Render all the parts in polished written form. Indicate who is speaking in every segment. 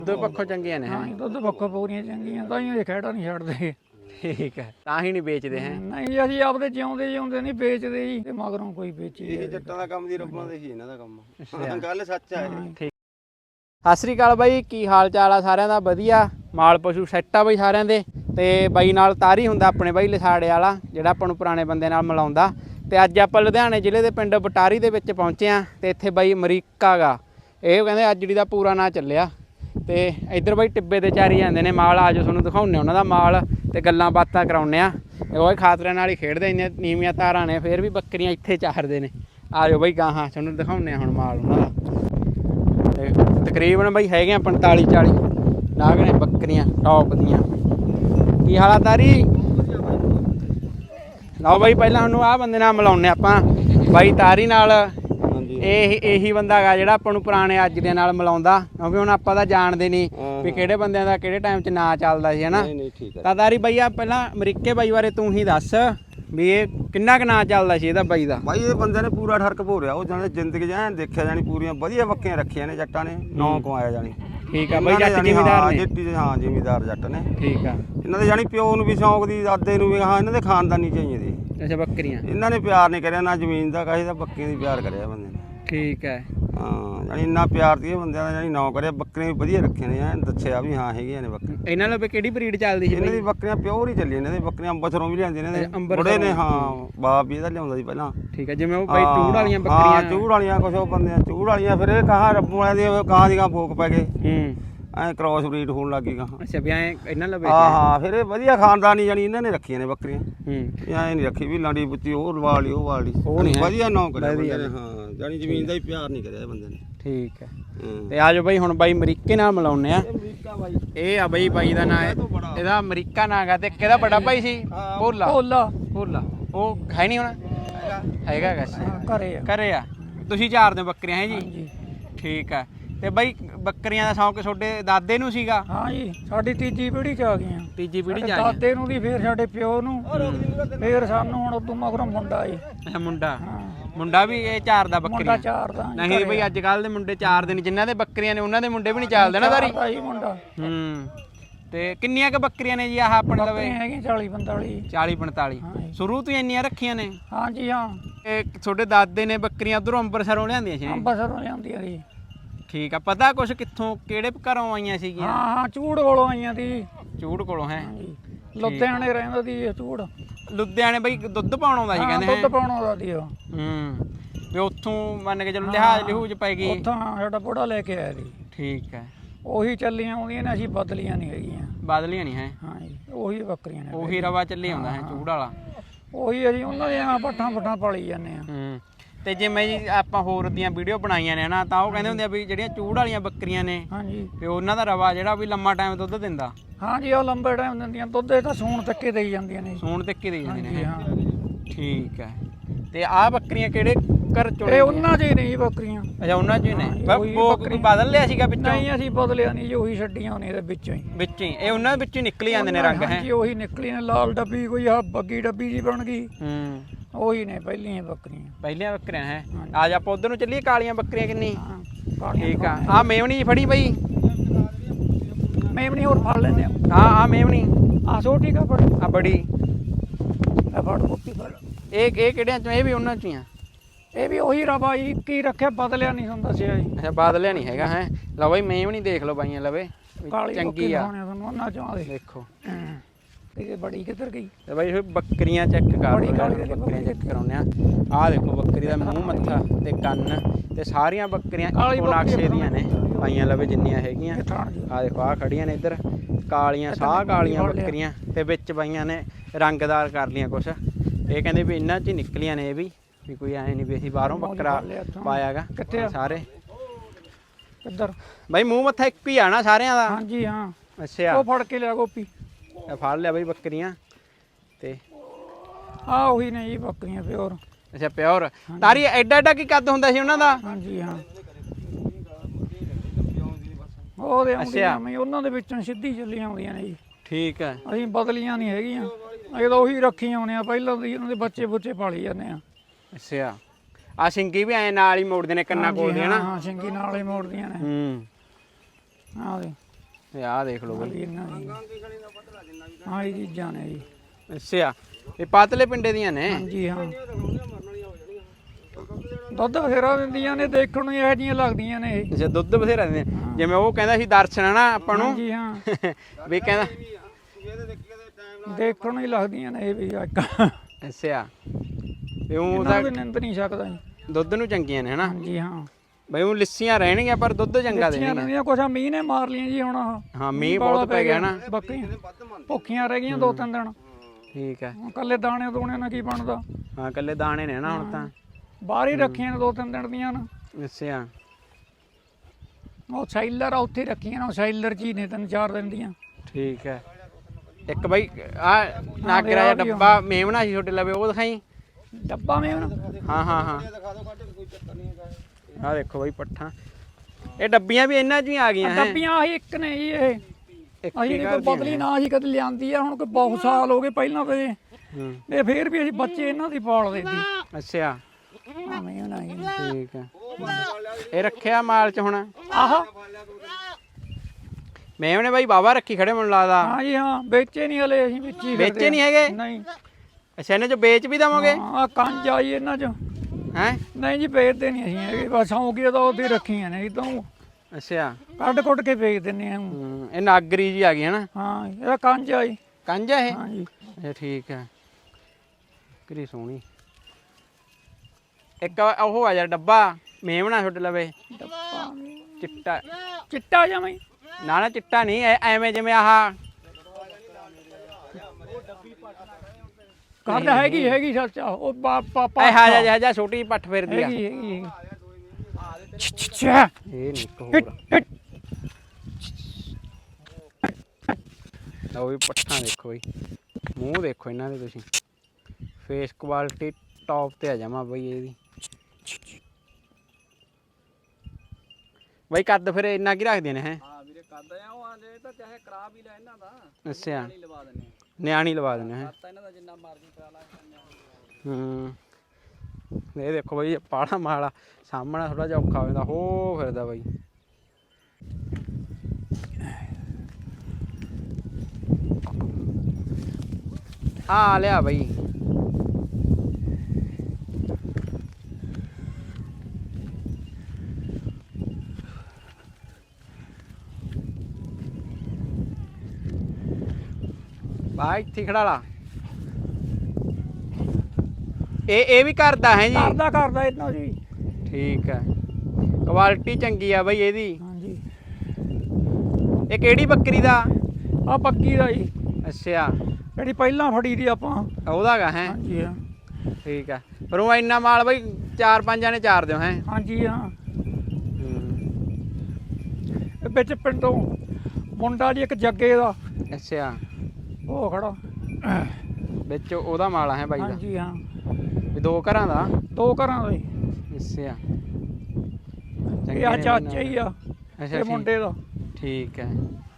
Speaker 1: ਦੁੱਧ ਪੱਖੋਂ ਚੰਗੀਆਂ ਨੇ
Speaker 2: ਹਾਂ ਦੁੱਧ ਪੱਖੋਂ ਪੂਰੀਆਂ ਚੰਗੀਆਂ ਤਾਂ ਹੀ ਖਹਿੜਾ ਨਹੀਂ ਛੱਡਦੇ।
Speaker 1: ਠੀਕ ਹੈ, ਤਾਂ ਹੀ ਨਹੀਂ ਵੇਚਦੇ ਹੈ।
Speaker 2: ਨਹੀਂ ਅਸੀਂ ਆਪਦੇ ਜਿਉਂਦੇ ਨਹੀਂ ਵੇਚਦੇ ਜੀ, ਤੇ ਮਗਰੋਂ ਕੋਈ ਵੇਚੀ।
Speaker 3: ਇਹ ਜੱਟਾਂ ਦਾ ਕੰਮ ਦੀ ਰੱਬਾਂ ਦੇ ਹੀ ਇਹਨਾਂ ਦਾ ਕੰਮ। ਗੱਲ ਸੱਚ ਹੈ।
Speaker 1: ਠੀਕ। ਸਤਿ ਸ੍ਰੀ ਅਕਾਲ ਬਾਈ, ਕੀ ਹਾਲ ਚਾਲ ਆ ਸਾਰਿਆਂ ਦਾ? ਵਧੀਆ, ਮਾਲ ਪਸ਼ੂ ਸੈੱਟ ਆ ਬਾਈ ਸਾਰਿਆਂ ਦੇ। ਤੇ ਬਾਈ ਨਾਲ ਤਾਰੀ ਹੁੰਦਾ ਆਪਣੇ ਬਾਈ ਲਸਾੜੇ ਵਾਲਾ, ਜਿਹੜਾ ਆਪਾਂ ਨੂੰ ਪੁਰਾਣੇ ਬੰਦੇ ਨਾਲ ਮਿਲਾਉਂਦਾ। ਤੇ ਅੱਜ ਆਪਾਂ ਲੁਧਿਆਣੇ ਜ਼ਿਲ੍ਹੇ ਦੇ ਪਿੰਡ ਬਟਾਰੀ ਦੇ ਵਿੱਚ ਪਹੁੰਚੇ ਆ। ਤੇ ਇੱਥੇ ਬਾਈ ਅਮਰੀਕਾ ਗਾ, ਇਹ ਕਹਿੰਦੇ ਅੱਜ ਜਿਹੜੀ ਦਾ ਪੂਰਾ ਨਾਂ ਚੱਲਿਆ। ਤੇ ਇੱਧਰ ਬਾਈ ਟਿੱਬੇ ਦੇ ਚਾਰੀ ਜਾਂਦੇ ਨੇ ਮਾਲ। ਆਜੋ ਤੁਹਾਨੂੰ ਦਿਖਾਉਂਦੇ ਉਹਨਾਂ ਦਾ ਮਾਲ ਤੇ ਗੱਲਾਂ ਬਾਤਾਂ ਕਰਾਉਂਦੇ ਆ। ਉਹ ਖਾਤਰਿਆਂ ਨਾਲ ਹੀ ਖੇਡਦੇ, ਇੰਨੀਆਂ ਨੀਵੀਆਂ ਤਾਰਾਂ ਨੇ, ਫਿਰ ਵੀ ਬੱਕਰੀਆਂ ਇੱਥੇ ਚਾਰਦੇ ਨੇ। ਆਜੋ ਬਾਈ ਗਾਹਾਂ ਤੁਹਾਨੂੰ ਦਿਖਾਉਂਦੇ ਆ ਹੁਣ ਮਾਲ ਉਹਨਾਂ ਦਾ। ਤੇ ਤਕਰੀਬਨ ਬਾਈ ਹੈਗੇ 45-40 ਨਾਗ ਨੇ ਬੱਕਰੀਆਂ ਟੌਪ ਦੀਆਂ। ਕੀ ਹਾਲ ਆ ਤਾਰੀ? ਲਓ ਬਾਈ ਪਹਿਲਾਂ ਉਹਨੂੰ ਆਹ ਬੰਦੇ ਨਾਲ ਮਿਲਾਉਂਦੇ ਆਪਾਂ, ਬਾਈ ਤਾਰੀ ਨਾਲ। ਇਹੀ ਬੰਦਾ ਹੈਗਾ ਜਿਹੜਾ ਆਪਾਂ ਨੂੰ ਪੁਰਾਣੇ ਅੱਜ ਦੇ ਨਾਲ ਮਿਲਾਉਂਦਾ, ਕਿਉਂਕਿ ਹੁਣ ਆਪਾਂ ਤਾਂ ਜਾਣਦੇ ਨਹੀਂ ਵੀ ਕਿਹੜੇ ਬੰਦਿਆਂ ਦਾ ਕਿਹੜੇ ਟਾਈਮ 'ਚ ਨਾਂ ਚੱਲਦਾ ਸੀ, ਹਨਾ। ਤਾਂ ਤਾਰੀ ਬਾਈ ਆ ਪਹਿਲਾਂ ਅਮਰੀਕੇ ਬਾਈ ਬਾਰੇ ਤੂੰ ਹੀ ਦੱਸ ਵੀ ਇਹ ਕਿੰਨਾ ਕੁ ਨਾਂ ਚੱਲਦਾ ਸੀ ਇਹਦਾ ਬਾਈ ਦਾ?
Speaker 3: ਬਾਈ ਇਹ ਬੰਦੇ ਨੇ ਪੂਰਾ ਠਰਕ ਭੋਰਿਆ, ਉਹ ਜਾਨੇ ਜ਼ਿੰਦਗੀ 'ਚ ਐਨ ਦੇਖਿਆ ਜਾਣੀ, ਪੂਰੀਆਂ ਵਧੀਆ ਬੱਕੀਆਂ ਰੱਖੀਆਂ ਨੇ ਜੱਟਾਂ ਨੇ, ਨਾਂ ਕਮਾਇਆ ਜਾਣੀ।
Speaker 1: ਠੀਕ ਆ ਬਾਈ, ਜੱਟ ਜ਼ਿਮੀਦਾਰ
Speaker 3: ਨੇ। ਹਾਂ ਜ਼ਿਮੀਦਾਰ ਜੱਟ ਨੇ।
Speaker 1: ਠੀਕ ਆ।
Speaker 3: ਇਹਨਾਂ ਦੇ ਜਾਣੀ ਪਿਓ ਨੂੰ ਵੀ ਸ਼ੌਂਕ ਦੀ, ਦਾਦੇ ਨੂੰ ਵੀ, ਹਾਂ ਇਹਨਾਂ ਦੇ ਖਾਨਦਾਨੀ ਚਾਹੀਦੇ।
Speaker 1: ਅੱਛਾ ਬੱਕਰੀਆਂ
Speaker 3: ਇਹਨਾਂ ਨੇ ਪਿਆਰ ਨਹੀਂ ਕਰਿਆ ਨਾ ਜ਼ਮੀਨ ਦਾ ਕਾਹੇ ਦਾ, ਬੱਕਰੀਆਂ ਦੀ ਪਿਆਰ ਕਰਿਆ ਬੰਦੇ ਨੇ।
Speaker 1: ਠੀਕ ਹੈ।
Speaker 3: ਹਾਂ ਜਾਣੀ ਇੰਨਾ ਪਿਆਰ ਦੀ ਬੰਦਿਆਂ ਦਾ ਜਾਣੀ ਨਾਂ ਕਰਿਆ। ਬੱਕਰੀਆਂ ਵੀ ਵਧੀਆ ਰੱਖੀਆਂ ਨੇ, ਐਨ ਦੱਸਿਆ ਵੀ ਹਾਂ ਹੈਗੀਆਂ ਨੇ ਬੱਕਰੀਆਂ।
Speaker 1: ਇਹਨਾਂ ਨਾਲ ਕਿਹੜੀ ਬਰੀਡ ਚੱਲਦੀ ਸੀ?
Speaker 3: ਇਹਨਾਂ ਦੀ ਬੱਕਰੀਆਂ ਪਿਓਰ ਹੀ ਚੱਲੀ, ਇਹਨਾਂ ਦੇ ਬੱਕਰੀਆਂ ਅੰਬਰਸਰੋਂ ਵੀ ਲਿਆਂਦੇ ਨੇ ਬੜੇ ਨੇ। ਹਾਂ ਬਾਪ ਵੀ ਇਹਦਾ ਲਿਆਉਂਦਾ ਸੀ ਪਹਿਲਾਂ।
Speaker 1: ਠੀਕ ਹੈ, ਜਿਵੇਂ ਉਹ ਬਾਈ ਚੂੜ ਵਾਲੀਆਂ ਬੱਕਰੀਆਂ।
Speaker 3: ਹਾਂ ਚੂੜ ਵਾਲੀਆਂ ਕੁਛ ਉਹ ਬੰਦੇ ਚੂੜ ਵਾਲੀਆਂ, ਫਿਰ ਇਹ ਕਹਾਂ ਰੱਬੂ ਵਾਲਿਆਂ ਦੀ ਕਾਂ ਦੀਆਂ ਫੋਕ ਪੈ ਗਏ, ਐ ਕ੍ਰੋਸ ਬਰੀਡ ਹੋਣ ਲੱਗੀ ਕਾਂ।
Speaker 1: ਅੱਛਾ ਵੀ ਐ ਇਹਨਾਂ ਨਾਲ
Speaker 3: ਹਾਂ ਫਿਰ ਇਹ ਵਧੀਆ ਖਾਨਦਾਨੀ ਜਾਣੀ ਇਹਨਾਂ ਨੇ ਰੱਖੀਆਂ ਨੇ ਬੱਕਰੀਆਂ। ਐ ਨਹੀਂ ਰੱਖੀ ਵੀ ਲਾਂਡੀ ਪੁੱਤੀ ਉਹ ਲਵਾ ਲਈ ਉਹ ਵਾਲੀ, ਵਧੀਆ ਨਾਂ ਕਰਿਆ ਬੰਦੇ ਨੇ। ਹਾਂ ਜਾਣੀ ਜ਼ਮੀਨ ਦਾ ਹੀ ਪਿਆਰ ਨਹੀਂ ਕਰਿਆ ਬੰਦੇ ਨੇ।
Speaker 1: ਠੀਕ ਹੈ। ਤੇ ਆਜੋ ਬਾਈ ਹੁਣ ਬਾਈ ਅਮਰੀਕੇ ਨਾਲ ਮਿਲਾਉਂਦੇ ਆ।
Speaker 3: ਅਮਰੀਕਾ ਬਾਈ
Speaker 1: ਇਹ ਆ ਬਾਈ ਦਾ ਨਾਂ ਹੈ, ਇਹਦਾ ਅਮਰੀਕਾ ਨਾਂ ਗਾ। ਤੇ ਕਿਹਦਾ ਵੱਡਾ ਭਾਈ ਸੀ? ਭੋਲਾ। ਉਹ ਹੈ ਨਹੀਂ ਹੁਣ? ਹੈਗਾ ਘਰੇ ਆ। ਤੁਸੀਂ ਚਾਰਦੇ ਬੱਕਰੀਆਂ ਹੈ ਜੀ? ਠੀਕ ਆ। ਤੇ ਬਾਈ ਬੱਕਰੀਆਂ ਦਾ ਸ਼ੌਂਕ ਤੁਹਾਡੇ ਦਾਦੇ ਨੂੰ ਸੀਗਾ?
Speaker 2: ਹਾਂ ਜੀ, ਸਾਡੀ ਤੀਜੀ ਪੀੜ੍ਹੀ 'ਚ ਆ ਗਈਆਂ।
Speaker 1: ਤੀਜੀ ਪੀੜ੍ਹੀ 'ਚ ਆ ਗਈ।
Speaker 2: ਦਾਦੇ ਨੂੰ ਦੀ, ਫਿਰ ਸਾਡੇ ਪਿਓ ਨੂੰ, ਫਿਰ ਸਾਨੂੰ, ਹੁਣ ਉਦੋਂ ਮਗਰੋਂ ਮੁੰਡਾ ਜੀ।
Speaker 1: ਅੱਛਾ ਮੁੰਡਾ ਵੀ ਇਹ ਚਾਰਦਾ ਬੱਕਰੀਆਂ?
Speaker 2: ਚਾਰਦਾ
Speaker 1: ਨਹੀਂ ਬਈ, ਅੱਜ ਕੱਲ ਦੇ ਮੁੰਡੇ ਚਾਰਦੇ ਨਹੀਂ, ਜਿਨ੍ਹਾਂ ਦੇ ਬੱਕਰੀਆਂ ਨੇ ਉਹਨਾਂ ਦੇ ਮੁੰਡੇ ਵੀ ਨਹੀਂ ਚਾਲਦੇ ਨਾ ਤਾਰੀ।
Speaker 2: ਮੁੰਡਾ।
Speaker 1: ਤੇ ਕਿੰਨੀਆਂ ਕ ਬੱਕਰੀਆਂ ਨੇ ਜੀ ਆਹ ਆਪਣੇ ਲਵੇ?
Speaker 2: ਹੈਗੀਆਂ 40-45।
Speaker 1: 40-45 ਸ਼ੁਰੂ ਤੋਂ ਹੀ ਇੰਨੀਆਂ ਰੱਖੀਆਂ ਨੇ?
Speaker 2: ਹਾਂ ਜੀ ਹਾਂ।
Speaker 1: ਇਹ ਤੁਹਾਡੇ ਦਾਦੇ ਨੇ ਬੱਕਰੀਆਂ ਉਧਰੋਂ ਅੰਬਰਸਰੋਂ ਲਿਆਂਦੀਆਂ ਸੀ?
Speaker 2: ਅੰਬਰਸਰੋਂ ਲਿਆਂਦੀਆਂ ਸੀ।
Speaker 1: ਠੀਕ ਆ। ਪਤਾ ਕੁਛ ਕਿੱਥੋਂ ਕਿਹੜੇ ਘਰੋਂ ਆਈਆਂ ਸੀਗੀਆਂ?
Speaker 2: ਹਾਂ ਚੂੜ ਕੋਲੋਂ ਆਈਆਂ ਸੀ।
Speaker 1: ਚੂੜ ਕੋਲੋਂ ਹੈ?
Speaker 2: ਲੁਧਿਆਣੇ ਰਹਿੰਦਾ ਸੀ ਇਹ ਚੂੜ।
Speaker 1: ਲੁਧਿਆਣੇ ਬਈ ਦੁੱਧ ਪਾਉਣ ਆਉਂਦਾ ਸੀ ਕਹਿੰਦੇ?
Speaker 2: ਦੁੱਧ ਪਾਉਣ ਆਉਂਦਾ ਸੀ ਉਹ।
Speaker 1: ਵੀ ਉੱਥੋਂ ਮੰਨ ਕੇ ਚਲੋ ਲਿਹਾਜ਼ ਲਿਹੂਜ ਪੈ ਗਈ
Speaker 2: ਉੱਥੋਂ ਸਾਡਾ ਬੁੜਾ ਲੈ ਕੇ ਆਇਆ ਸੀ।
Speaker 1: ਠੀਕ ਹੈ।
Speaker 2: ਉਹੀ ਚੱਲੀਆਂ ਆਉਂਦੀਆਂ ਨੇ, ਅਸੀਂ ਬਦਲੀਆਂ ਨਹੀਂ ਹੈਗੀਆਂ।
Speaker 1: ਬਦਲੀਆਂ ਨਹੀਂ ਹੈ?
Speaker 2: ਹਾਂ ਜੀ ਉਹੀ ਬੱਕਰੀਆਂ ਨੇ,
Speaker 1: ਉਹੀ ਰਵਾ ਚੱਲੀ ਆਉਂਦਾ ਹੈ ਚੂੜ ਵਾਲਾ।
Speaker 2: ਉਹੀ ਅਸੀਂ ਉਹਨਾਂ ਦੀਆਂ ਪੱਠਾਂ ਪਾਲੀ ਜਾਂਦੇ ਆ।
Speaker 1: ਤੇ ਜਿਵੇਂ ਜੀ ਆਪਾਂ ਹੋਰ ਦੀਆਂ ਵੀਡੀਓ ਬਣਾਈਆਂ ਨੇ ਨਾ, ਤਾਂ ਉਹ ਕਹਿੰਦੇ ਹੁੰਦੇ ਆ ਵੀ ਜਿਹੜੀਆਂ ਚੂੜ ਵਾਲੀਆਂ ਬੱਕਰੀਆਂ ਨੇ,
Speaker 2: ਹਾਂਜੀ,
Speaker 1: ਤੇ ਉਹਨਾਂ ਦਾ ਰਵਾ ਜਿਹੜਾ ਵੀ ਲੰਮਾ ਟਾਈਮ ਦੁੱਧ ਦਿੰਦਾ।
Speaker 2: ਹਾਂਜੀ ਉਹ ਲੰਬੇ ਟਾਈਮ ਦਿੰਦੀਆਂ ਦੁੱਧ। ਇਹ ਤਾਂ ਸੂਣ ਤੱਕੇ ਦੇਈ ਜਾਂਦੀਆਂ ਨੇ।
Speaker 1: ਸੂਣ ਤੱਕੇ ਦੇਈ ਜਾਂਦੀਆਂ ਨੇ? ਹਾਂ ਠੀਕ ਹੈ। ਤੇ ਆਹ ਬੱਕਰੀਆਂ ਕਿਹੜੇ ਘਰ ਚੋਂ?
Speaker 2: ਇਹ ਉਹਨਾਂ 'ਚ ਹੀ ਨਹੀਂ ਬੱਕਰੀਆਂ।
Speaker 1: ਅੱਛਾ ਉਹਨਾਂ 'ਚ ਹੀ ਨੇ। ਬੱਕਰੀ ਬਦਲ ਲਿਆ ਸੀਗਾ ਵਿੱਚੋਂ?
Speaker 2: ਨਹੀਂ ਅਸੀਂ ਬਦਲਿਆ ਨਹੀਂ ਜੀ, ਉਹੀ ਛੱਡੀਆਂ ਉਹਨੇ ਇਹਦੇ ਵਿੱਚੋਂ ਹੀ।
Speaker 1: ਵਿੱਚ ਹੀ ਇਹ ਉਹਨਾਂ ਦੇ ਵਿੱਚੋਂ ਨਿਕਲ ਜਾਂਦੇ ਨੇ ਰੰਗ? ਹੈ
Speaker 2: ਉਹੀ ਨਿਕਲੀ ਨੇ। ਲਾਲ ਡੱਬੀ ਕੋਈ ਆ ਬੱਗੀ ਡੱਬੀ ਜੀ ਬਣ ਗਈ। ਉਹੀ ਨੇ ਪਹਿਲੀਆਂ ਬੱਕਰੀਆਂ।
Speaker 1: ਪਹਿਲੀਆਂ ਬੱਕਰੀਆਂ ਹੈ। ਅੱਜ ਆਪਾਂ ਉਧਰ ਨੂੰ ਚੱਲੀਏ। ਕਾਲੀਆਂ ਬੱਕਰੀਆਂ ਕਿੰਨੀ? ਠੀਕ ਆ। ਆਹ ਮੇਵਣੀ ਫੜੀ ਬਈ?
Speaker 2: ਮੇਵਣੀ ਹੋਰ ਫੜ ਲੈਂਦੇ ਆ।
Speaker 1: ਹਾਂ ਮੇਵਣੀ
Speaker 2: ਆ ਛੋਟੀ ਕਾ ਫੜ।
Speaker 1: ਆ ਬੜੀ
Speaker 2: ਫੜ ਕੋਪੀ ਫੜ।
Speaker 1: ਇਹ ਕਿਹੜਿਆਂ ਚੋਂ? ਇਹ ਵੀ ਉਹਨਾਂ ਚੋਂ ਆ?
Speaker 2: ਇਹ ਵੀ ਉਹੀ ਰਵਾ ਜੀ, ਕੀ ਰੱਖਿਆ ਬਦਲਿਆ ਨਹੀਂ ਹੁੰਦਾ ਸੀ ਜੀ।
Speaker 1: ਅੱਛਾ ਬਦਲਿਆ ਨਹੀਂ ਹੈਗਾ ਹੈ। ਲਓ ਬਾਈ ਮੇਵਣੀ ਦੇਖ ਲਓ ਬਾਈਆਂ ਲਵੇ, ਚੰਗੀ ਆ।
Speaker 2: ਉਹਨਾਂ ਚੋਂ ਆ
Speaker 1: ਦੇਖੋ।
Speaker 2: ਤੇ ਬੜੀ ਕਿੱਧਰ ਗਈ?
Speaker 1: ਤੇ ਬਾਈ ਬੱਕਰੀਆਂ ਚੈੱਕ ਕਰ ਲਓ, ਬੱਕਰੀਆਂ ਚੈੱਕ ਕਰਾਉਂਦੇ ਆ। ਆਹ ਦੇਖੋ ਬੱਕਰੀ ਦਾ ਮੂੰਹ ਮੱਥਾ ਤੇ ਕੰਨ, ਤੇ ਸਾਰੀਆਂ ਬੱਕਰੀਆਂ ਇੱਕੋ ਨਕਸ਼ੇ ਦੀਆਂ ਨੇ ਬਾਈਆਂ ਲਵੇ ਜਿੰਨੀਆਂ ਹੈਗੀਆਂ। ਆਹ ਦੇਖੋ ਆਹ ਖੜੀਆਂ ਨੇ ਇੱਧਰ ਕਾਲੀਆਂ, ਸਾਹ ਕਾਲੀਆਂ ਬੱਕਰੀਆਂ, ਤੇ ਵਿੱਚ ਬਾਈਆਂ ਨੇ ਰੰਗਦਾਰ ਕਰ ਲੀਆਂ ਕੁਛ। ਇਹ ਕਹਿੰਦੇ ਵੀ ਇਹਨਾਂ 'ਚ ਹੀ ਨਿਕਲੀਆਂ ਨੇ ਇਹ ਵੀ ਕੋਈ ਐ ਨਹੀਂ ਵੀ ਅਸੀਂ ਬਾਹਰੋਂ ਬੱਕਰਾ ਪਾਇਆ ਗਾ।
Speaker 2: ਕਿੱਥੇ
Speaker 1: ਸਾਰੇ
Speaker 2: ਕਿੱਧਰ
Speaker 1: ਬਾਈ? ਮੂੰਹ ਮੱਥਾ ਇੱਕ ਹੀ ਆ ਨਾ ਸਾਰਿਆਂ ਦਾ?
Speaker 2: ਹਾਂਜੀ ਹਾਂ।
Speaker 1: ਅੱਛਾ
Speaker 2: ਉਹ ਫੜ ਕੇ ਲਿਆ ਗੋਪੀ।
Speaker 1: ਫੜ ਲਿਆ ਬਾਈ ਬੱਕਰੀਆਂ। ਤੇ
Speaker 2: ਆਹ ਉਹੀ ਨੇ ਜੀ ਬੱਕਰੀਆਂ ਪਿਓਰ।
Speaker 1: ਅੱਛਾ ਪਿਓਰ। ਤਾਰੀ ਐਡਾ ਕੀ ਕੱਦ ਹੁੰਦਾ ਸੀ ਉਹਨਾਂ ਦਾ?
Speaker 2: ਹਾਂਜੀ ਹਾਂ। ਉਹਦੇ ਆਉਂਦੀਆਂ ਮੈਂ ਉਹਨਾਂ ਦੇ ਵਿੱਚੋਂ ਸਿੱਧੀ ਚੱਲੀਆਂ ਆਉਂਦੀਆਂ ਨੇ ਜੀ।
Speaker 1: ਠੀਕ ਹੈ।
Speaker 2: ਅਸੀਂ ਬਦਲੀਆਂ ਨਹੀਂ ਹੈਗੀਆਂ, ਇਹ ਤਾਂ ਉਹੀ ਰੱਖੀਆਂ ਹੋਣੀਆਂ ਪਹਿਲਾਂ ਦੀ। ਉਹਨਾਂ ਦੇ ਬੱਚੇ ਪਾਲੀ ਜਾਂਦੇ ਆ।
Speaker 1: ਅੱਛਾ ਆ ਸਿੰਗੀ ਵੀ ਐ ਨਾਲ ਹੀ ਮੋੜਦੇ ਨੇ ਕੰਨਾਂ ਕੋਲ ਦੇ ਨਾ?
Speaker 2: ਹਾਂ ਸਿੰਗੀ ਨਾਲ ਹੀ ਮੋੜਦੀਆਂ ਨੇ।
Speaker 1: ਆਹ ਇਹ ਆਹ ਦੇਖ ਲਓ ਬਈ।
Speaker 2: ਹਾਂ ਇਹ ਚੀਜ਼ਾਂ ਨੇ ਜੀ।
Speaker 1: ਅੱਛਾ ਇਹ ਪਾਤਲੇ ਪਿੰਡੇ ਦੀਆਂ ਨੇ।
Speaker 2: ਹਾਂਜੀ ਹਾਂ ਦੁੱਧ ਬਥੇਰਾ ਦਿੰਦੀਆਂ ਨੇ, ਦੇਖਣ ਨੂੰ ਇਹੋ ਜਿਹੀਆਂ ਲੱਗਦੀਆਂ ਨੇ ਇਹ।
Speaker 1: ਅੱਛਾ ਦੁੱਧ ਬਥੇਰਾ ਦਿੰਦੇ ਜਿਵੇਂ ਉਹ ਕਹਿੰਦਾ ਸੀ ਦਰਸ਼ਨ ਹੈ ਨਾ ਆਪਾਂ ਨੂੰ
Speaker 2: ਜੀ ਹਾਂ
Speaker 1: ਵੀ ਕਹਿੰਦਾ
Speaker 2: ਦੇਖਣ ਨੂੰ ਹੀ ਲੱਗਦੀਆਂ ਨੇ ਇਹ ਵੀ ਇੱਕ।
Speaker 1: ਅੱਛਾ ਤੇ ਉਹ
Speaker 2: ਇਹਨਾਂ
Speaker 1: ਤਾਂ
Speaker 2: ਨੂੰ ਨਿੰਦ ਨਹੀਂ ਸਕਦਾ ਜੀ।
Speaker 1: ਦੁੱਧ ਨੂੰ ਚੰਗੀਆਂ ਨੇ ਹਨਾ
Speaker 2: ਹਾਂਜੀ ਹਾਂ
Speaker 1: ਬਈ ਉਹ ਲਿੱਸੀਆਂ ਰਹਿਣਗੀਆਂ ਪਰ ਦੁੱਧ ਚੰਗਾ ਦੇਣਗੀਆਂ।
Speaker 2: ਕੁਛ ਮੀਂਹ ਨੇ ਮਾਰ ਲੀਆਂ ਜੀ ਹੁਣ।
Speaker 1: ਹਾਂ ਮੀਂਹ ਬਹੁਤ ਪੈ ਗਿਆ ਨਾ,
Speaker 2: ਬੱਕਰੀਆਂ ਭੁੱਖੀਆਂ ਰਹਿ ਗਈਆਂ 2-3 ਦਿਨ।
Speaker 1: ਠੀਕ ਹੈ
Speaker 2: ਕੱਲੇ ਦਾਣੇ ਦੂਣੇ ਨਾਲ ਕੀ ਬਣਦਾ।
Speaker 1: ਹਾਂ ਕੱਲੇ ਦਾਣੇ ਨੇ ਨਾ ਹੁਣ ਤਾਂ।
Speaker 2: ਬਾਹਰ ਹੀ ਰੱਖੀਆਂ ਨੇ 2-3 ਦਿਨ ਦੀਆਂ ਨਾ।
Speaker 1: ਅੱਛਾ
Speaker 2: ਉਹ ਸੈਲਰ ਆ ਉੱਥੇ ਰੱਖੀਆਂ ਨੇ, ਉਹ ਸੈਲਰ ਚ ਹੀ ਨੇ 3-4 ਦਿਨ ਦੀਆਂ।
Speaker 1: ਠੀਕ ਹੈ ਇੱਕ ਬਈ ਆ ਨਾਗਰਾ ਜਿਹਾ ਡੱਬਾ ਮੇਮਣਾ ਸੀ ਛੋਟੇ ਲਵੇ ਉਹ ਦਿਖਾਈ।
Speaker 2: ਡੱਬਾ ਮੇਵਣਾ
Speaker 1: ਹਾਂ ਹਾਂ ਹਾਂ ਆਹ ਦੇਖੋ ਬਈ ਪੱਠਾ ਇਹ ਡੱਬੀਆਂ ਵੀ ਇਹਨਾਂ 'ਚ ਹੀ ਆ ਗਈਆਂ ਹੈ।
Speaker 2: ਡੱਬੀਆਂ ਆਹੀ ਇੱਕ ਨੇ ਜੀ ਇਹ।
Speaker 1: ਇੱਕ
Speaker 2: ਅਸੀਂ ਨਹੀਂ ਕੋਈ ਬਦਲੀ ਨਾ ਅਸੀਂ ਕਦੇ ਲਿਆਂਦੀ ਆ ਹੁਣ ਕੋਈ ਬਹੁਤ ਸਾਲ ਹੋ ਗਏ ਪਹਿਲਾਂ ਤੇ ਇਹ ਫੇਰ ਵੀ ਅਸੀਂ ਬੱਚੇ ਇਹਨਾਂ ਦੀ ਪਾਲਦੇ ਸੀ।
Speaker 1: ਅੱਛਾ
Speaker 2: ਮੇਵਣਾ ਜੀ
Speaker 1: ਠੀਕ ਹੈ ਇਹ ਰੱਖਿਆ ਮਾਲ 'ਚ ਹੁਣ
Speaker 2: ਆਹ
Speaker 1: ਮੇਮਣੇ ਬਾਈ ਬਾਬਾ ਰੱਖੀ ਖੜੇ ਮੈਨੂੰ ਲੱਗਦਾ।
Speaker 2: ਹਾਂ ਜੀ ਹਾਂ ਵੇਚੇ ਨਹੀਂ ਹਲੇ ਅਸੀਂ ਵੇਚੀ
Speaker 1: ਵੇਚੇ ਨਹੀਂ ਹੈਗੇ।
Speaker 2: ਨਹੀਂ
Speaker 1: ਅੱਛਾ ਇਹਨਾਂ 'ਚ ਵੇਚ ਵੀ ਦਵਾਂਗੇ।
Speaker 2: ਆ ਕੰਜ ਆਈ ਇਹਨਾਂ 'ਚ
Speaker 1: ਹੈ
Speaker 2: ਨਹੀਂ ਜੀ ਵੇਚਦੇ ਨਹੀਂ ਅਸੀਂ ਹੈਗੇ ਬਸ ਸ਼ੌਂਕੀਆ ਤਾਂ ਉਹਦੀ ਰੱਖੀਆਂ ਨੇ ਇਦੋਂ
Speaker 1: ਅੱਛਾ
Speaker 2: ਕੱਢ ਕੁੱਟ ਕੇ ਵੇਚ ਦਿੰਦੇ ਆ।
Speaker 1: ਇਹ ਨਾਗਰੀ ਜੀ ਆ ਗਈ ਹੈ ਨਾ।
Speaker 2: ਹਾਂ ਇਹ ਕੰਜ ਆਈ।
Speaker 1: ਕੰਜ ਆ ਇਹ।
Speaker 2: ਹਾਂ ਜੀ
Speaker 1: ਅੱਛਾ ਠੀਕ ਹੈ ਕਿਹੜੀ ਸੋਹਣੀ। ਇੱਕ ਉਹ ਆ ਯਾਰ ਡੱਬਾ ਮੇਮਣਾ ਛੋਟੇ ਲਵੇ ਚਿੱਟਾ
Speaker 2: ਚਿੱਟਾ ਜਮਾਈ
Speaker 1: ਨਾ ਨਾ ਚਿੱਟਾ ਨਹੀਂ ਐਵੇਂ ਜਿਵੇਂ ਆਹ
Speaker 2: ਕੱਢ ਹੈਗੀ ਸੱਚ ਉਹ ਪਾਪਾ
Speaker 1: ਇਹ ਹਾਂ ਜਾ ਛੋਟੀ ਜਿਹੀ ਪੱਠ ਫਿਰਦੀ ਆ।
Speaker 2: ਹੈਗੀ
Speaker 1: ਇਹ ਨਹੀਂ ਇੱਕ ਹੋਰ ਲਓ ਵੀ ਪੱਠਾਂ ਦੇਖੋ ਬਈ ਮੂੰਹ ਦੇਖੋ ਇਹਨਾਂ ਦੇ ਤੁਸੀਂ ਫੇਸ ਕੁਆਲਿਟੀ ਟੌਪ ਤੇ ਆ ਜਾਵਾਂ ਬਈ ਇਹਦੀ। ਬਈ ਕੱਦ ਫਿਰ ਇੰਨਾ ਕੀ ਰੱਖਦੇ ਨੇ ਹੈ।
Speaker 2: ਹਾਂ ਵੀਰੇ ਕੱਦ ਆ ਉਹ ਆਂਦੇ ਤਾਂ ਚਾਹੇ ਕਰਾ ਵੀ ਲੈ ਇਹਨਾਂ ਦਾ
Speaker 1: ਅੱਛਾ
Speaker 2: ਲਵਾ ਦਿੰਦੇ
Speaker 1: ਨਿਆਣੀ ਲਵਾ ਦਿੰਦੇ ਹੈ।
Speaker 2: ਤਾਂ ਇਹਨਾਂ ਦਾ ਜਿੰਨਾ ਮਰਜ਼ੀ ਪਾ ਲਾ।
Speaker 1: ਇਹ ਦੇਖੋ ਬਈ ਪਾੜਾ ਮਾਲਾ ਸਾਹਮਣਾ ਥੋੜਾ ਜਿਹਾ ਔਖਾ ਹੋ ਜਾਂਦਾ ਹੋ ਫਿਰਦਾ ਬਈ। ਆ ਲਿਆ ਬਈ ਬਾਈ ਇੱਥੇ ਖੜਾ ਲਾ। ਇਹ ਵੀ ਕਰਦਾ ਹੈ ਜੀ।
Speaker 2: ਕਰਦਾ ਇਹਨਾਂ ਜੀ।
Speaker 1: ਠੀਕ ਹੈ ਕੁਆਲਿਟੀ ਚੰਗੀ ਆ ਬਈ ਇਹਦੀ।
Speaker 2: ਹਾਂਜੀ
Speaker 1: ਇਹ ਕਿਹੜੀ ਬੱਕਰੀ ਦਾ।
Speaker 2: ਆ ਪੱਕੀ ਦਾ ਜੀ।
Speaker 1: ਅੱਛਾ
Speaker 2: ਜਿਹੜੀ ਪਹਿਲਾਂ ਫੜੀ ਦੀ ਆਪਾਂ।
Speaker 1: ਉਹਦਾ ਗਾ ਹੈ।
Speaker 2: ਹਾਂਜੀ ਹਾਂ
Speaker 1: ਠੀਕ ਹੈ ਪਰ ਉਹ ਇੰਨਾ ਮਾਲ ਬਈ 4-5 ਜਣੇ ਚਾਰ ਦਿਓ ਹੈ।
Speaker 2: ਹਾਂਜੀ ਹਾਂ ਵਿੱਚ ਪਿੰਡੋਂ ਮੁੰਡਾ ਜੀ ਇੱਕ ਜੱਗੇ ਦਾ।
Speaker 1: ਅੱਛਾ
Speaker 2: ਉਹ ਖੜਾ
Speaker 1: ਵਿੱਚ ਉਹਦਾ ਮਾਲ ਹੈ ਬਾਈ ਦਾ।
Speaker 2: ਹਾਂਜੀ ਹਾਂ
Speaker 1: ਵੀ 2 ਘਰਾਂ ਦਾ।
Speaker 2: 2 ਘਰਾਂ ਦਾ ਜੀ।
Speaker 1: ਅੱਛਾ
Speaker 2: ਇਹ ਆ ਚਾਚਾ ਹੀ ਆ
Speaker 1: ਅੱਛਾ
Speaker 2: ਇਹ ਮੁੰਡੇ ਦਾ।
Speaker 1: ਠੀਕ ਹੈ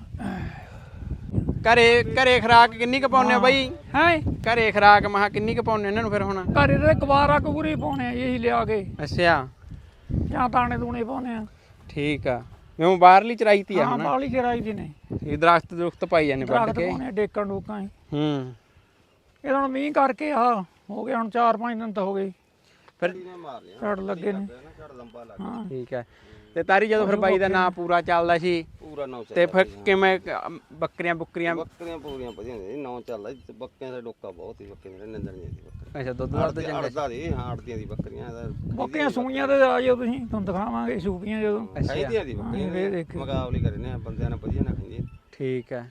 Speaker 1: ਘਰੇ ਖਰਾਕ ਕਿੰਨੀ ਕੁ ਪਾਉਂਦੇ ਹੋ ਬਾਈ।
Speaker 2: ਹੈ
Speaker 1: ਘਰੇ ਖਰਾਕ ਮਹਾ ਕਿੰਨੀ ਕੁ ਪਾਉਂਦੇ ਇਹਨਾਂ ਨੂੰ ਫਿਰ ਹੁਣ।
Speaker 2: ਘਰੇ ਤੇ ਕਵਾਰਾ ਕਬੂਰੀ ਪਾਉਣੇ ਆ ਇਹੀ ਲਿਆ ਕੇ
Speaker 1: ਅੱਛਾ
Speaker 2: ਜਾਂ ਦਾਣੇ ਦੂਣੇ ਪਾਉਣੇ ਆ।
Speaker 1: ਠੀਕ ਆ ਮੈਂ ਬਾਹਰਲੀ ਚਰਾਈ ਤੀ ਆ
Speaker 2: ਹਾਂ
Speaker 1: ਹੁਣ।
Speaker 2: ਬਾਲੀ ਚਰਾਈ ਦੀ ਨੇ
Speaker 1: ਇਹ ਦਰਖਤ ਪਾਈ ਜਾਂਦੇ ਵੱਢ
Speaker 2: ਦਰਖਤ
Speaker 1: ਕੇ।
Speaker 2: ਪਾਉਣੇ ਡੇਕਣ ਡੂਕਾਂ ਹੀ।
Speaker 1: ਇਹ
Speaker 2: ਹੁਣ ਮੀਂਹ ਕਰਕੇ ਆ ਹੋ ਗਿਆ ਹੁਣ 4-5 ਦਿਨ ਤਾਂ ਹੋ ਗਏ
Speaker 1: ਫਿਰ
Speaker 2: ਝੜ ਲੱਗੇ ਨੇ।
Speaker 1: ਹਾਂ ਠੀਕ ਹੈ ਤੇ ਤਾਰੀ ਜਦੋਂ ਫਿਰ ਬਾਈ ਦਾ ਨਾਂ ਪੂਰਾ ਚੱਲਦਾ ਸੀ
Speaker 3: ਪੂਰਾ ਨਾਂ
Speaker 1: ਤੇ ਫਿਰ ਕਿਵੇਂ ਬੱਕਰੀਆਂ
Speaker 3: ਪੂਰੀਆਂ ਵਧੀਆ ਹੁੰਦੀਆਂ ਨਾਂ ਚੱਲਦਾ ਬੱਕਰੀਆਂ ਦਾ ਡੋਕਾ ਬਹੁਤ ਹੀ ਬੱਕਰੀਆਂ ਦੇ ਨਿੰਦਰ ਨਹੀਂ ਬੱਕਰੀ।
Speaker 1: ਅੱਛਾ ਦੁੱਧ ਦਾ ਚੰਗਾ
Speaker 3: ਅੜਦਾ ਦੀ ਹਾਂ ਅੜਦੀਆਂ ਦੀ ਬੱਕਰੀਆਂ ਦਾ
Speaker 2: ਬੱਕਰੀਆਂ ਸੂਈਆਂ ਤੇ ਆ ਜਾਓ ਤੁਸੀਂ ਤੁਹਾਨੂੰ ਦਿਖਾਵਾਂਗੇ ਸੂਪੀਆਂ ਜਦੋਂ।
Speaker 3: ਚਾਹੀਦੀਆਂ ਦੀ ਬੱਕਰੀਆਂ ਮੁਕਾਬਲੇ ਕਰਨੇ ਆ ਬੰਦਿਆਂ ਨਾਲ ਵਧੀਆ ਨਾ ਖਾਂਦੀਆਂ।
Speaker 1: ਠੀਕ ਹੈ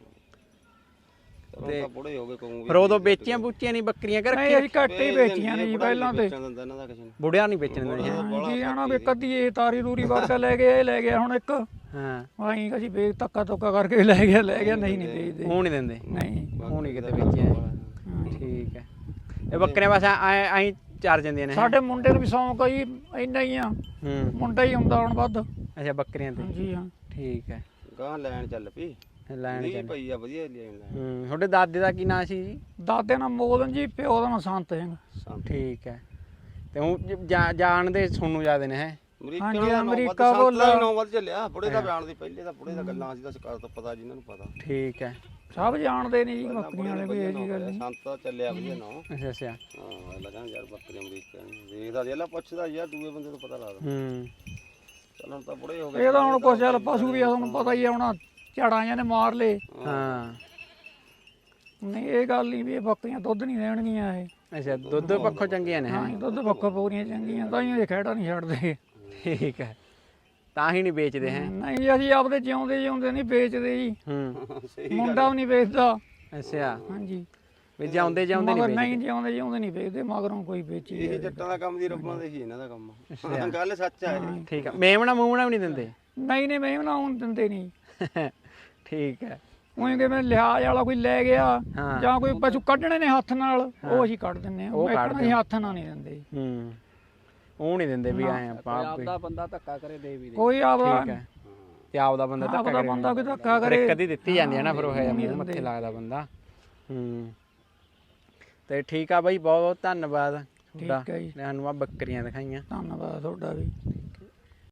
Speaker 3: ਤੇ ਬੁੜੇ ਹੋ ਗਏ ਕੋਈ
Speaker 1: ਫਿਰ ਉਦੋਂ ਵੇਚੀਆਂ ਬੂਚੀਆਂ ਨਹੀਂ ਬੱਕਰੀਆਂ ਕਿ
Speaker 2: ਨਹੀਂ ਅਸੀਂ ਘੱਟ ਹੀ ਵੇਚੀਆਂ ਨੇ ਜੀ ਪਹਿਲਾਂ ਤੇ।
Speaker 1: ਬੁੜਿਆ ਨਹੀਂ ਵੇਚਣ ਦਿੰਦੇ
Speaker 2: ਜੀ ਆਣਾ ਵੀ ਕਦੀ ਇਹ ਤਾਰੀ ਰੂਰੀ ਵਰਗਾ ਲੈ ਗਿਆ ਇਹ ਲੈ ਗਿਆ ਹੁਣ ਇੱਕ।
Speaker 1: ਹਾਂ
Speaker 2: ਆਈ ਅਸੀਂ ਵੇਚ ਧੱਕਾ ਧੁੱਕਾ ਕਰਕੇ ਲੈ ਗਿਆ ਨਹੀਂ ਵੇਚਦੇ।
Speaker 1: ਉਹ ਨਹੀਂ ਦਿੰਦੇ
Speaker 2: ਨਹੀਂ
Speaker 1: ਉਹ ਨਹੀਂ ਕਿਤੇ ਵੇਚਿਆ। ਠੀਕ ਹੈ ਇਹ ਬੱਕਰੀਆਂ ਬਸ ਐਂ ਚਾਰ ਜਾਂਦੀਆਂ ਨੇ।
Speaker 2: ਸਾਡੇ ਮੁੰਡੇ ਨੂੰ ਵੀ ਸ਼ੌਂਕ ਆ ਜੀ ਇੰਨਾ ਹੀ ਆ। ਮੁੰਡਾ ਹੀ ਹੁੰਦਾ ਹੁਣ ਵੱਧ।
Speaker 1: ਅੱਛਾ ਬੱਕਰੀਆਂ ਤੇ।
Speaker 2: ਜੀ ਹਾਂ
Speaker 1: ਠੀਕ ਹੈ
Speaker 3: ਗਾਂ ਲੈਣ ਚੱਲ ਪਈ
Speaker 1: ਲੈਣ ਚੱਲ
Speaker 3: ਪਈ ਆ ਵਧੀਆ ਲੈਣ।
Speaker 1: ਤੁਹਾਡੇ ਦਾਦੇ ਦਾ ਕੀ ਨਾਂ ਸੀ ਜੀ।
Speaker 2: ਦਾਦੇ ਨਾਲ ਮੋਦਨ ਜੀ ਪਿਓ ਦਾ ਨਾਂ ਸੰਤ ਸਿੰਘ।
Speaker 1: ਠੀਕ ਹੈ ਤੇ ਹੁਣ ਜਾਣਦੇ ਸੋਨੂੰ ਜ਼ਿਆਦੇ ਨੇ ਹੈ।
Speaker 2: ਅਮਰੀਕਾ ਬੋਲਾ
Speaker 3: 9 ਵੱਧ ਚੱਲਿਆ ਬੁੜੇ ਦਾ ਬਿਆਨ ਦੀ ਪਹਿਲੇ ਤਾਂ ਬੁੜੇ ਦਾ ਗੱਲਾਂ ਸੀ ਤਾਂ ਸਰਕਾਰ ਤੋਂ ਪਤਾ ਜਿਨ੍ਹਾਂ ਨੂੰ ਪਤਾ।
Speaker 1: ਠੀਕ ਹੈ,
Speaker 2: ਸਭ ਜਾਣਦੇ ਨੇ ਜੀ ਬੱਕਰੀਆਂ ਵਾਲੇ, ਕੋਈ ਇਹ ਜੀ ਗੱਲ ਨਹੀਂ।
Speaker 3: ਸੰਤ ਤਾਂ ਚੱਲਿਆ ਵਧੀਆ ਨਾ।
Speaker 1: ਅੱਛਾ ਅੱਛਾ।
Speaker 3: ਹਾਂ ਲਗਾਂ ਯਾਰ ਬੱਕਰੀ ਅਮਰੀਕਾ ਦੇਖਦਾ ਜਿਹੜਾ ਪੁੱਛਦਾ ਯਾਰ ਦੂਏ ਬੰਦੇ ਤੋਂ ਪਤਾ ਲੱਗਦਾ। ਚੱਲਣ ਤਾਂ ਬੁੜੇ ਹੋ ਗਏ।
Speaker 2: ਇਹ ਤਾਂ ਹੁਣ ਕੁਛ ਚੱਲ ਪਸ਼ੂ ਵੀ ਆ, ਤੁਹਾਨੂੰ ਪਤਾ ਹੀ ਆ, ਹੁਣ ਝਾੜਾਂ ਜਾਂ ਨੇ ਮਾਰ ਲਏ।
Speaker 1: ਹਾਂ
Speaker 2: ਨਹੀਂ ਇਹ ਗੱਲ ਨਹੀਂ ਵੀ ਇਹ ਬੱਕਰੀਆਂ ਦੁੱਧ ਨਹੀਂ ਦੇਣਗੀਆਂ ਇਹ।
Speaker 1: ਅੱਛਾ, ਦੁੱਧ ਪੱਖੋਂ ਚੰਗੀਆਂ ਨੇ।
Speaker 2: ਹਾਂ ਦੁੱਧ ਪੱਖੋਂ ਪੂਰੀਆਂ ਚੰਗੀਆਂ, ਤਾਂ ਹੀ ਇਹ ਖਹਿੜਾ ਨਹੀਂ ਛੱਡਦੇ।
Speaker 1: ਠੀਕ ਹੈ, ਤਾਂ ਹੀ ਨਹੀਂ ਵੇਚਦੇ ਹੈ।
Speaker 2: ਨਹੀਂ ਜੀ ਅਸੀਂ ਆਪਦੇ ਜਿਉਂਦੇ ਨਹੀਂ ਵੇਚਦੇ ਜੀ।
Speaker 1: ਹੂੰ,
Speaker 2: ਮੁੰਡਾ ਵੀ ਨਹੀਂ ਵੇਚਦਾ।
Speaker 1: ਅੱਛਾ,
Speaker 2: ਹਾਂਜੀ
Speaker 1: ਵੀ ਜਿਉਂਦੇ ਨਹੀਂ
Speaker 2: ਨਹੀਂ ਜਿਉਂਦੇ ਨਹੀਂ ਵੇਚਦੇ, ਮਗਰੋਂ ਕੋਈ ਵੇਚੀ।
Speaker 3: ਇਹ ਜੱਟਾਂ ਦਾ ਕੰਮ ਦੀ ਰੱਬਾਂ ਦੇ ਹੀ ਇਹਨਾਂ ਦਾ ਕੰਮ। ਗੱਲ ਸੱਚ ਆ।
Speaker 1: ਠੀਕ ਆ, ਮੇਮਣਾ ਮੂਮਣਾ ਵੀ ਨਹੀਂ ਦਿੰਦੇ?
Speaker 2: ਨਹੀਂ ਮੈਂ ਨਾ ਹੁਣ ਦਿੰਦੇ ਨਹੀਂ।
Speaker 1: ਠੀਕ ਹੈ,
Speaker 2: ਉਹੀ ਕਿ ਮੈਂ ਲਿਹਾਜ਼ ਵਾਲਾ ਕੋਈ ਲੈ ਗਿਆ ਜਾਂ ਕੋਈ ਪਸ਼ੂ ਕੱਢਣੇ ਨੇ ਹੱਥ ਨਾਲ, ਉਹ ਅਸੀਂ ਕੱਢ ਦਿੰਦੇ ਹਾਂ। ਅਸੀਂ ਹੱਥ ਨਾਲ ਨਹੀਂ ਦਿੰਦੇ।
Speaker 1: ਹੂੰ, ਉਹ ਨਹੀਂ ਦਿੰਦੇ ਵੀ ਆਏ ਆਪਾਂ
Speaker 4: ਆਪਦਾ ਬੰਦਾ ਧੱਕਾ ਕਰੇ ਦੇ ਵੀ ਦੇ।
Speaker 2: ਕੋਈ ਆਪਦਾ
Speaker 1: ਤੇ ਆਪਦਾ ਬੰਦਾ ਧੱਕਾ ਕਰੇ,
Speaker 2: ਬੰਦਾ ਕੋਈ ਧੱਕਾ ਕਰੇ
Speaker 1: ਕਦੀ ਦਿੱਤੀ ਜਾਂਦੀ ਹੈ ਨਾ, ਫਿਰ ਉਹ ਹੈ ਮੂੰਹ ਮੱਥੇ ਲੱਗਦਾ ਬੰਦਾ। ਹੂੰ, ਤੇ ਠੀਕ ਆ ਬਾਈ, ਬਹੁਤ ਬਹੁਤ ਧੰਨਵਾਦ ਤੁਹਾਡਾ,
Speaker 2: ਠੀਕ ਹੈ ਜੀ,
Speaker 1: ਸਾਨੂੰ ਆ ਬੱਕਰੀਆਂ ਦਿਖਾਈਆਂ।
Speaker 2: ਧੰਨਵਾਦ ਤੁਹਾਡਾ ਵੀ।